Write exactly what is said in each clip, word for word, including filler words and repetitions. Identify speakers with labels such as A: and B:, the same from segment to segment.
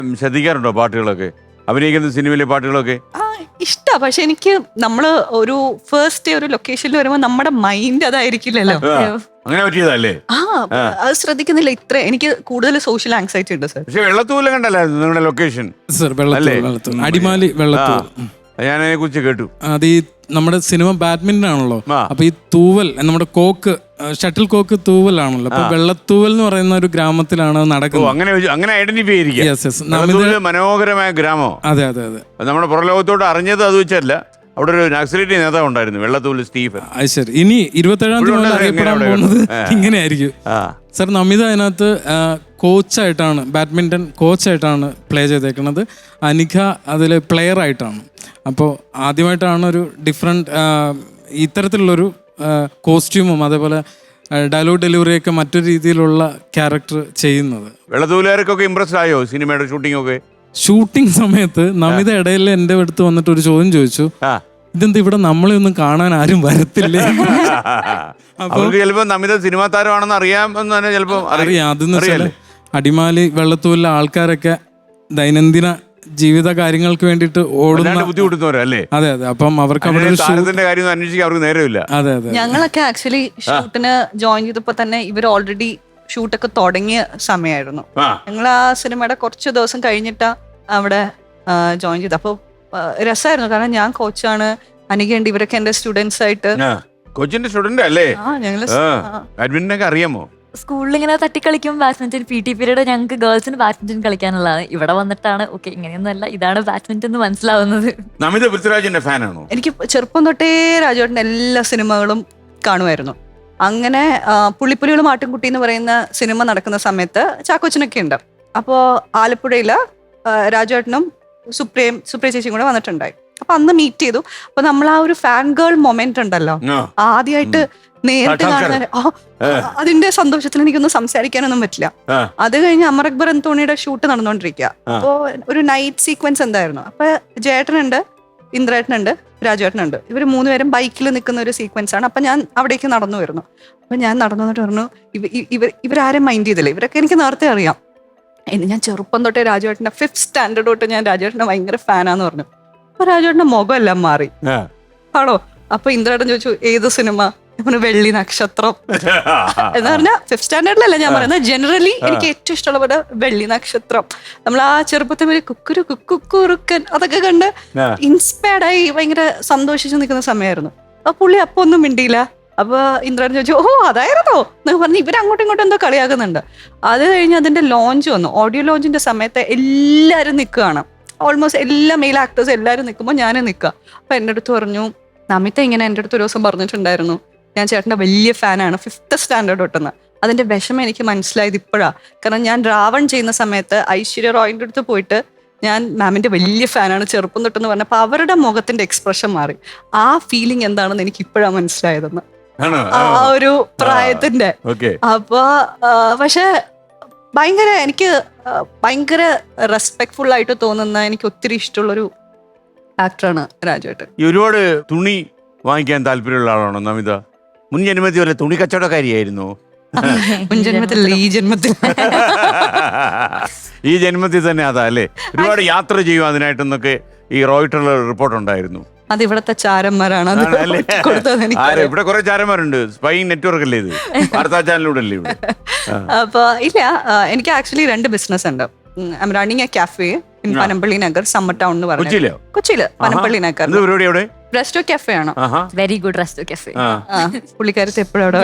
A: ശ്രദ്ധിക്കാറുണ്ടോ പാട്ടുകളൊക്കെ, അഭിനയിക്കുന്ന സിനിമയിലെ പാട്ടുകളൊക്കെ?
B: ആ ഇഷ്ടാ, പക്ഷെ എനിക്ക് നമ്മള് ഒരു ഫസ്റ്റ് ഒരു ലൊക്കേഷനിൽ വരുമ്പോ നമ്മുടെ മൈൻഡ് അതായിരിക്കില്ലല്ലോ.
A: അങ്ങനെ പറ്റിയതല്ലേ?
B: ആ അത് ശ്രദ്ധിക്കുന്നില്ല. ഇത്ര എനിക്ക് കൂടുതൽ സോഷ്യൽ ആങ്സൈറ്റി ഉണ്ട് സർ.
A: പക്ഷെ വെള്ളത്തൂല കണ്ടല്ലായിരുന്നു നിങ്ങളുടെ ലൊക്കേഷൻ?
C: സർ വെള്ളത്തൂൽ, അടിമാലി വെള്ളത്തൂൽ.
A: ഞാൻ അതിനെ കുറിച്ച് കേട്ടു.
C: അത് ഈ നമ്മുടെ സിനിമ ബാഡ്മിന്റൺ ആണല്ലോ, അപ്പൊ ഈ തൂവൽ നമ്മുടെ കോക്ക് ഷട്ടിൽ കോക്ക് തൂവലാണല്ലോ, അപ്പൊ വെള്ളത്തൂവൽ എന്ന് പറയുന്ന ഒരു ഗ്രാമത്തിലാണ് നടക്കുന്നത്.
A: അങ്ങനെ അങ്ങനെ ഐഡന്റിഫൈ
C: ചെയ്തിരിക്കുക.
A: മനോഹരമായ ഗ്രാമം.
C: അതെ അതെ അതെ.
A: നമ്മുടെ പുറലോകത്തോട് അറിഞ്ഞത് അത് വെച്ചല്ല, അവിടെ ഒരു നക്സലേറ്റ് നേതാവ് ഉണ്ടായിരുന്നു, വെള്ളത്തൂൽ സ്റ്റീഫൻ.
C: അത് ശരി. ഇനി ഇരുപത്തേഴാം തീയതി അറിയപ്പെടാൻ പോകുന്നത് ഇങ്ങനെയായിരിക്കും സർ. നമിത അതിനകത്ത് കോച്ചായിട്ടാണ്, ബാഡ്മിന്റൺ കോച്ചായിട്ടാണ് പ്ലേ ചെയ്തേക്കുന്നത്. അനിഖ അതിൽ പ്ലെയർ ആയിട്ടാണ്. അപ്പോൾ ആദ്യമായിട്ടാണ് ഒരു ഡിഫറെൻറ്റ് ഇത്തരത്തിലുള്ളൊരു കോസ്റ്റ്യൂമും അതേപോലെ ഡയലോഗ് ഡെലിവറിയൊക്കെ മറ്റൊരു രീതിയിലുള്ള ക്യാരക്ടർ ചെയ്യുന്നത്.
A: വെള്ളത്തൂലുകാർക്കൊക്കെ ഇംപ്രസ്ഡ് ആയോ സിനിമയുടെ ഷൂട്ടിംഗ് ഒക്കെ?
C: ഷൂട്ടിംഗ് സമയത്ത് നമിത ഇടയിൽ എൻ്റെ അടുത്ത് വന്നിട്ട് ഒരു ചോദ്യം ചോദിച്ചു, ഇതെന്താ ഇവിടെ നമ്മളെ ഒന്നും കാണാൻ ആരും വരത്തില്ലേ?
A: അവർക്ക് ചിലപ്പോ നമിത സിനിമാ താരമാണെന്ന് അറിയാമെന്ന് തന്നെ ചിലപ്പോ
C: അറിയാം. അതെന്ന് വെച്ചാൽ അടിമാലി വെള്ളത്തൂരിലെ ആൾക്കാരൊക്കെ ദൈനംദിന ജീവിത കാര്യങ്ങൾക്ക് വേണ്ടിയിട്ട് ഓടുന്ന
A: ബുദ്ധിമുട്ടുന്നവരല്ലേ?
C: അതെ അതെ. അപ്പം അവർക്ക്
A: താരത്തിന്റെ കാര്യം അന്വേഷിക്കാൻ അവർക്ക് നേരമില്ല.
C: അതെ അതെ.
B: ഞങ്ങളൊക്കെ ആക്ച്വലി ഷൂട്ടിന് ജോയിൻ ചെയ്തപ്പോ തന്നെ ഇവർ ഓൾറെഡി ഷൂട്ടൊക്കെ തുടങ്ങിയ സമയമായിരുന്നു. ഞങ്ങൾ ആ സിനിമയുടെ കുറച്ച് ദിവസം കഴിഞ്ഞിട്ടാ അവിടെ ജോയിൻ ചെയ്തത്. അപ്പോൾ രസമായിരുന്നു, കാരണം ഞാൻ കോച്ചാണ്, അനികയുണ്ട്, ഇവരൊക്കെ എന്റെ സ്റ്റുഡൻസ് ആയിട്ട്.
A: കോച്ചിന്റെ സ്റ്റുഡന്റ് അല്ലേ?
B: ആ ഞങ്ങള്
A: ബാഡ്മിന്റൺ അറിയാമോ?
D: സ്കൂളിൽ ഇങ്ങനെ തട്ടിക്കളിക്കും ബാഡ്മിന്റൺ. പി ടി പീരീഡ് ഞങ്ങൾക്ക് ഗേൾസിന് ബാഡ്മിന്റൺ കളിക്കാനുള്ളതാണ്. ഇവിടെ വന്നിട്ടാണ് ഓക്കെ ഇങ്ങനെയൊന്നും അല്ല, ഇതാണ് ബാഡ്മിന്റൺ എന്ന് മനസ്സിലാവുന്നത്.
A: നമിത പൃഥ്വിരാജിന്റെ ഫാനാണോ?
B: എനിക്ക് ചെറുപ്പം തൊട്ടേ രാജുവേട്ടന്റെ എല്ലാ സിനിമകളും കാണുമായിരുന്നു. അങ്ങനെ പുള്ളിപ്പുലികളും ആട്ടിൻകുട്ടി എന്ന് പറയുന്ന സിനിമ നടക്കുന്ന സമയത്ത് ചാക്കോച്ചനൊക്കെ ഉണ്ട്. അപ്പോൾ ആലപ്പുഴയില് രാജുവേട്ടനും സുപ്രിയയും സുപ്രിയ ചേച്ചിയും കൂടെ വന്നിട്ടുണ്ടായി. അപ്പൊ അന്ന് മീറ്റ് ചെയ്തു. അപ്പൊ നമ്മൾ ആ ഒരു ഫാൻ ഗേൾ മൊമെന്റ് ഉണ്ടല്ലോ, ആദ്യമായിട്ട് നേരിട്ട് കാണുന്ന അതിന്റെ സന്തോഷത്തിൽ എനിക്കൊന്നും സംസാരിക്കാനൊന്നും പറ്റില്ല. അത് കഴിഞ്ഞ് അമർ അക്ബർ അന്തോണിയുടെ ഷൂട്ട് നടന്നുകൊണ്ടിരിക്കുക. അപ്പോ ഒരു നൈറ്റ് സീക്വൻസ് എന്തായിരുന്നു, അപ്പൊ ജയേട്ടനുണ്ട്, ഇന്ദ്രേട്ടനുണ്ട്, രാജുവേട്ടനുണ്ട്. ഇവർ മൂന്നുപേരും ബൈക്കിൽ നിൽക്കുന്ന ഒരു സീക്വൻസ് ആണ്. അപ്പൊ ഞാൻ അവിടേക്ക് നടന്നു വരുന്നു. അപ്പൊ ഞാൻ നടന്നു വന്നിട്ട് പറഞ്ഞു, ഇവർ ഇവരാരും മൈൻഡ് ചെയ്തില്ല, ഇവരൊക്കെ എനിക്ക് നേരത്തെ അറിയാം. ഇനി ഞാൻ ചെറുപ്പം തൊട്ടേ രാജുവേട്ടന്റെ ഫിഫ്ത് സ്റ്റാൻഡേർഡ് തൊട്ട് ഞാൻ രാജുവേട്ടന്റെ ഭയങ്കര ഫാനാന്ന് പറഞ്ഞു. അപ്പൊ രാജുവേട്ടന്റെ മുഖം എല്ലാം മാറി. ആണോ? അപ്പൊ ഇന്ദ്രേട്ടൻ ചോദിച്ചു ഏത് സിനിമ? വെള്ളി നക്ഷത്രം എന്ന് പറഞ്ഞാൽ ഫിഫ്ത് സ്റ്റാൻഡേർഡിലല്ല ഞാൻ പറയുന്നത്, ജനറലി എനിക്ക് ഏറ്റവും ഇഷ്ടമുള്ള വെള്ളി നക്ഷത്രം. നമ്മൾ ആ ചെറുപ്പത്തിൽ ഒരു കുക്കുരു കുക്കുറുക്കൻ അതൊക്കെ കണ്ട് ഇൻസ്പയർഡ് ആയി ഭയങ്കര സന്തോഷിച്ച് നിൽക്കുന്ന സമയമായിരുന്നു. അപ്പൊ പുള്ളി അപ്പൊ ഒന്നും മിണ്ടിയില്ല. അപ്പൊ ഇന്ദ്രൻ ചോദിച്ചു ഓ അതായിരുന്നോ എന്നൊക്കെ പറഞ്ഞ് ഇവർ അങ്ങോട്ടും ഇങ്ങോട്ടും എന്തോ കളിയാക്കുന്നുണ്ട്. അത് കഴിഞ്ഞ് അതിന്റെ ലോഞ്ച് വന്നു. ഓഡിയോ ലോഞ്ചിന്റെ സമയത്ത് എല്ലാവരും നിൽക്കുകയാണ്, ഓൾമോസ്റ്റ് എല്ലാ മെയിൽ ആക്ടേഴ്സ് എല്ലാവരും നിൽക്കുമ്പോൾ ഞാനും നിൽക്കുക. അപ്പൊ എൻ്റെ അടുത്ത് പറഞ്ഞു, നമിത ഇങ്ങനെ എൻ്റെ അടുത്ത് ഒരു ദിവസം പറഞ്ഞിട്ടുണ്ടായിരുന്നു, ഞാൻ ചേട്ടൻ്റെ വലിയ ഫാനാണ് ഫിഫ്ത്ത് സ്റ്റാൻഡേർഡ് തൊട്ടെന്ന്. അതിന്റെ വിഷമം എനിക്ക് മനസ്സിലായത് ഇപ്പോഴാണ്. കാരണം ഞാൻ രാവൺ ചെയ്യുന്ന സമയത്ത് ഐശ്വര്യ റോയിൻ്റെ അടുത്ത് പോയിട്ട് ഞാൻ മാമിന്റെ വലിയ ഫാനാണ് ചെറുപ്പം തൊട്ടെന്ന് പറഞ്ഞപ്പോൾ അവരുടെ മുഖത്തിന്റെ എക്സ്പ്രഷൻ മാറി. ആ ഫീലിംഗ് എന്താണെന്ന് എനിക്ക് ഇപ്പോഴാണ് മനസ്സിലായതെന്ന്, ആ ഒരു പ്രായത്തിന്റെ. അപ്പൊ പക്ഷെ ഭയങ്കര എനിക്ക് ഭയങ്കര റെസ്പെക്ട്ഫുൾ ആയിട്ട് തോന്നുന്ന, എനിക്ക് ഒത്തിരി ഇഷ്ടമുള്ളൊരു ആക്ടറാണ് രാജുവേട്ടൻ.
A: ഒരുപാട് തുണി വാങ്ങിക്കാൻ താല്പര്യമുള്ള ആളാണോ നമിത? മുൻ ജന്മത്തിൽ വല്ല തുണി കച്ചവടക്കാരിയായിരുന്നു?
B: മുൻ ജന്മത്തിൽ ഈ ജന്മത്തിൽ
A: ഈ ജന്മത്തിൽ തന്നെ അതാ അല്ലേ? ഒരുപാട് യാത്ര ചെയ്യും അതിനായിട്ടെന്നൊക്കെ ഈ റോയിട്ടറിൽ റിപ്പോർട്ട് ഉണ്ടായിരുന്നു.
B: അത് ഇവിടത്തെ ചാരന്മാരാണ്
A: ഇവിടെ കുറെ ചാരന്മാരുണ്ട്. സ്പൈ നെറ്റ്വർക്ക് അല്ലേ ഇത്? വാർത്താ ചാനലിലൂടെ അല്ലേ ഇവിടെ?
B: അപ്പൊ ഇല്ല, എനിക്ക് ആക്ച്വലി രണ്ട് ബിസിനസ് ഉണ്ട്. I'm running a cafe in Panampilly Nagar, summer town എന്ന് പറഞ്ഞു. കൊച്ചിയില് പനമ്പള്ളി നഗർ റെസ്റ്റോ കാഫേ ആണ്.
D: Very good resto cafe.
B: പുള്ളിക്കാരത്ത് എപ്പോഴും അവിടെ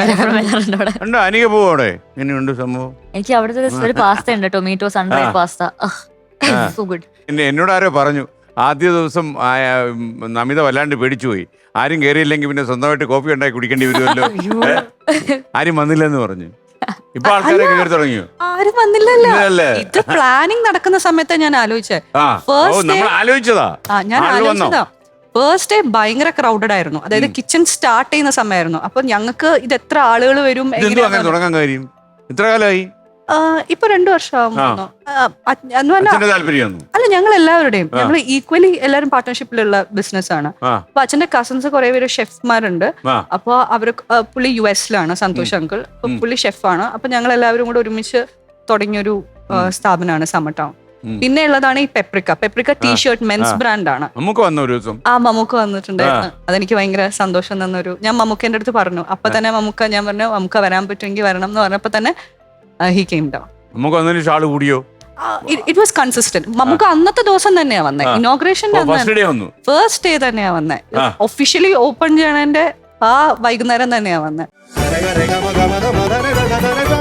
A: സംഭവം.
D: എനിക്ക് അവിടുത്തെ ഒരു പാസ്ത ഉണ്ട്, tomato sundried pasta, so good.
A: എന്നോട് ആരോ പറഞ്ഞു ആദ്യ ദിവസം നമിത വല്ലാണ്ട് പേടിച്ചു പോയി, ആരും കയറിയില്ലെങ്കിൽ പിന്നെ സ്വന്തമായിട്ട് കോഫി ഉണ്ടാക്കി കുടിക്കേണ്ടി വരുമല്ലോ, ആരും വന്നില്ലെന്ന് പറഞ്ഞു. ഇപ്പൊ ആൾക്കാരൊക്കെ കയറി തുടങ്ങിയോ?
B: ആരും വന്നില്ലല്ലോ. ഇത് പ്ലാനിങ് നടക്കുന്ന സമയത്ത് ഞാൻ ആലോചിച്ചേ,
A: ആലോചിച്ചതാ
B: ഞാൻ ആലോചിച്ചതാ ഫസ്റ്റ് ഡേ ഭയങ്കര ക്രൗഡഡ് ആയിരുന്നു. അതായത് കിച്ചൺ സ്റ്റാർട്ട് ചെയ്യുന്ന സമയമായിരുന്നു. അപ്പൊ ഞങ്ങൾക്ക് ഇത് എത്ര ആളുകൾ വരും,
A: തുടങ്ങാൻ കാര്യം ഇത്ര കാലമായി?
B: ഇപ്പൊ രണ്ടു വർഷമാകുമ്പോ അല്ല, ഞങ്ങൾ എല്ലാവരുടെയും ഞങ്ങൾ ഈക്വലി എല്ലാവരും പാർട്ട്ണർഷിപ്പിലുള്ള ബിസിനസ് ആണ്. അപ്പൊ അച്ഛന്റെ കസിൻസ് കുറെ പേര് ഷെഫ്മാരുണ്ട്. അപ്പൊ അവര് പുള്ളി യു എസിലാണ്, സന്തോഷ് അങ്കിൾ. അപ്പൊ പുള്ളി ഷെഫാണ്. അപ്പൊ ഞങ്ങൾ എല്ലാവരും കൂടെ ഒരുമിച്ച് തുടങ്ങിയൊരു സ്ഥാപനമാണ് സമ്മർ ടൗൺ. പിന്നെ ഉള്ളതാണ് ഈ Paprika. Paprika T shirt men's brand ആണ്.
A: നമുക്ക് വന്ന ഒരു ദിവസം
B: ആ മമ്മൂക്ക വന്നിട്ടുണ്ടായിരുന്നു. അതെനിക്ക് ഭയങ്കര സന്തോഷം തന്നൊരു, ഞാൻ മമ്മൂക്കേന്റെ അടുത്ത് പറഞ്ഞു. അപ്പൊ തന്നെ മമ്മൂക്ക, ഞാൻ പറഞ്ഞു മമ്മൂക്ക വരാൻ പറ്റുമെങ്കിൽ വരണം എന്ന് പറഞ്ഞപ്പോ തന്നെ ഹി കെയിം ഡൗൺ.
A: നമുക്ക് വന്നതിന് ഷാള് കൂടിയോ?
B: It was consistent. മമ്മൂക്ക അന്നത്തെ ദിവസം തന്നെയാ വന്നേ, ഇനോഗ്രേഷന്റെ
A: ഫസ്റ്റ് ഡേ വന്നു,
B: ഫസ്റ്റ് ഡേ തന്നെയാ വന്നേ. ഒഫീഷ്യലി ഓപ്പൺ ചെയ്യണതിന്റെ ആ വൈകുന്നേരം തന്നെയാ വന്നേ.